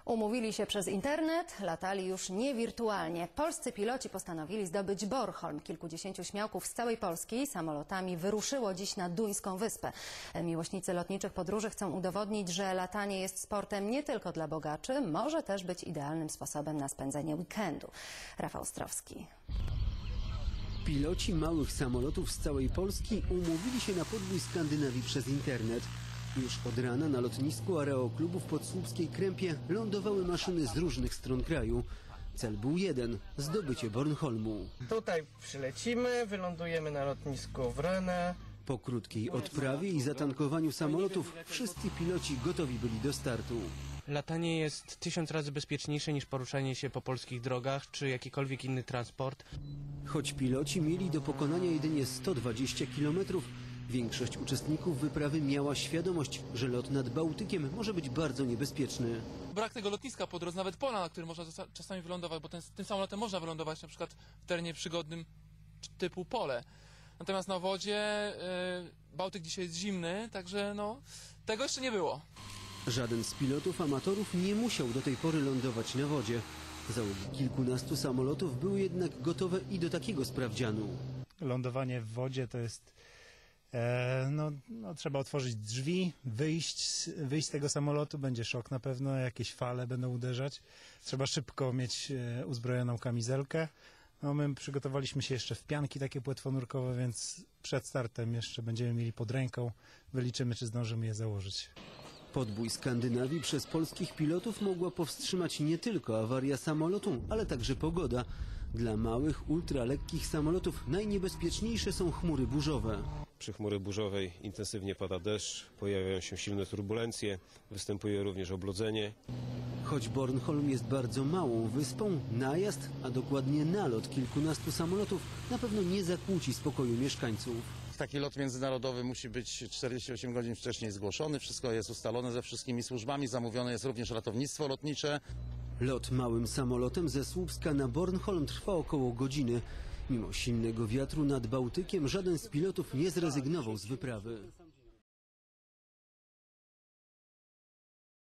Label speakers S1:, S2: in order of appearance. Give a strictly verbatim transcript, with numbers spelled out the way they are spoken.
S1: Umówili się przez internet, latali już nie wirtualnie. Polscy piloci postanowili zdobyć Bornholm. Kilkudziesięciu śmiałków z całej Polski samolotami wyruszyło dziś na duńską wyspę. Miłośnicy lotniczych podróży chcą udowodnić, że latanie jest sportem nie tylko dla bogaczy, może też być idealnym sposobem na spędzenie weekendu. Rafał Ostrowski.
S2: Piloci małych samolotów z całej Polski umówili się na podbój Skandynawii przez internet. Już od rana na lotnisku Aeroklubów w Podsłupskiej Krępie lądowały maszyny z różnych stron kraju. Cel był jeden – zdobycie Bornholmu.
S3: Tutaj przylecimy, wylądujemy na lotnisku w Rennes.
S2: Po krótkiej odprawie i zatankowaniu samolotów wszyscy piloci gotowi byli do startu.
S4: Latanie jest tysiąc razy bezpieczniejsze niż poruszanie się po polskich drogach czy jakikolwiek inny transport.
S2: Choć piloci mieli do pokonania jedynie sto dwadzieścia kilometrów, większość uczestników wyprawy miała świadomość, że lot nad Bałtykiem może być bardzo niebezpieczny.
S5: Brak tego lotniska po drodze, nawet pola, na którym można czasami wylądować, bo ten, tym samolotem można wylądować na przykład w terenie przygodnym typu pole. Natomiast na wodzie yy, Bałtyk dzisiaj jest zimny, także no, tego jeszcze nie było.
S2: Żaden z pilotów amatorów nie musiał do tej pory lądować na wodzie. Załogi kilkunastu samolotów były jednak gotowe i do takiego sprawdzianu.
S6: Lądowanie w wodzie to jest... E, no, no, trzeba otworzyć drzwi, wyjść, wyjść z tego samolotu, będzie szok na pewno, jakieś fale będą uderzać. Trzeba szybko mieć e, uzbrojoną kamizelkę. No, my przygotowaliśmy się jeszcze w pianki takie płetwonurkowe, więc przed startem jeszcze będziemy mieli pod ręką. Wyliczymy, czy zdążymy je założyć.
S2: Podbój Skandynawii przez polskich pilotów mogła powstrzymać nie tylko awaria samolotu, ale także pogoda. Dla małych, ultralekkich samolotów najniebezpieczniejsze są chmury burzowe.
S7: Przy chmury burzowej intensywnie pada deszcz, pojawiają się silne turbulencje, występuje również oblodzenie.
S2: Choć Bornholm jest bardzo małą wyspą, najazd, a dokładnie nalot kilkunastu samolotów na pewno nie zakłóci spokoju mieszkańców.
S8: Taki lot międzynarodowy musi być czterdzieści osiem godzin wcześniej zgłoszony, wszystko jest ustalone ze wszystkimi służbami, zamówione jest również ratownictwo lotnicze.
S2: Lot małym samolotem ze Słupska na Bornholm trwa około godziny. Mimo silnego wiatru nad Bałtykiem żaden z pilotów nie zrezygnował z wyprawy.